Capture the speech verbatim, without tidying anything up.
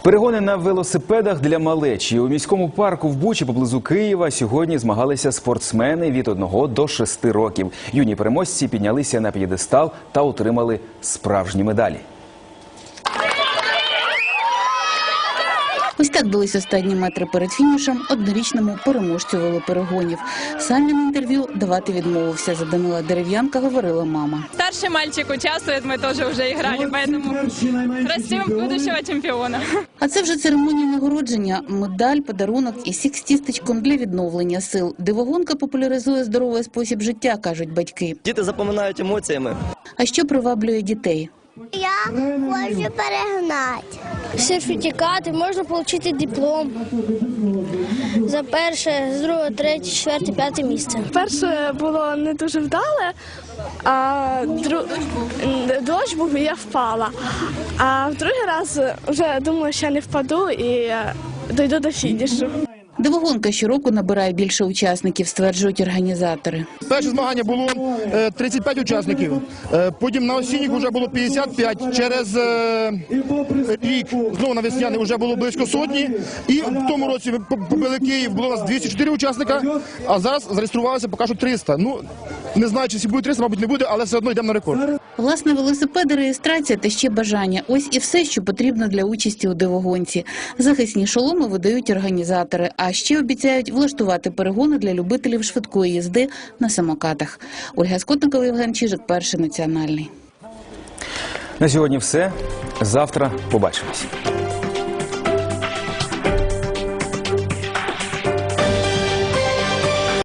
Перегони на велосипедах для малечі. У міському парку в Бучі поблизу Києва сьогодні змагалися спортсмени від одного до шести років. Юні переможці піднялися на п'єдестал та отримали справжні медалі. Ось так бились останні метри перед фінішем однорічному переможцю велоперегонів. Сам він інтерв'ю давати відмовився. За Данила Дерев'янка говорила мама. Старший мальчик участвует, мы тоже уже играли, поэтому растим будущего чемпиона. А це вже церемонія нагородження. Медаль, подарунок і сік з тістечком для відновлення сил. Дивогонка популяризує здоровий спосіб життя, кажуть батьки. Діти запам'ятають емоціями. А що приваблює дітей? Я хочу перегнати. Сертифікати, можна отримати диплом за перше, з другого, третє, четверте, п'яте місце. Перше було не дуже вдале, а дру... дощ був і я впала. А в другий раз вже думала, що я не впаду і дойду до фінішу. Дивогонка щороку набирає більше учасників, стверджують організатори. Перше змагання було тридцять п'ять учасників, потім на осінніх вже було п'ятдесят п'ять, через рік знову на весняний вже було близько сотні, і в тому році побили Київ, було у нас двісті чотири учасника, а зараз зареєструвалося поки що триста. Ну, не знаю, чи буде триста, мабуть не буде, але все одно йдемо на рекорд. Власне, велосипеди, реєстрація та ще бажання – ось і все, що потрібно для участі у дивогонці. Захисні шоломи видають організатори, а ще обіцяють влаштувати перегони для любителів швидкої їзди на самокатах. Ольга Скотникова, Євген Чижик, Перший національний. На сьогодні все. Завтра побачимось.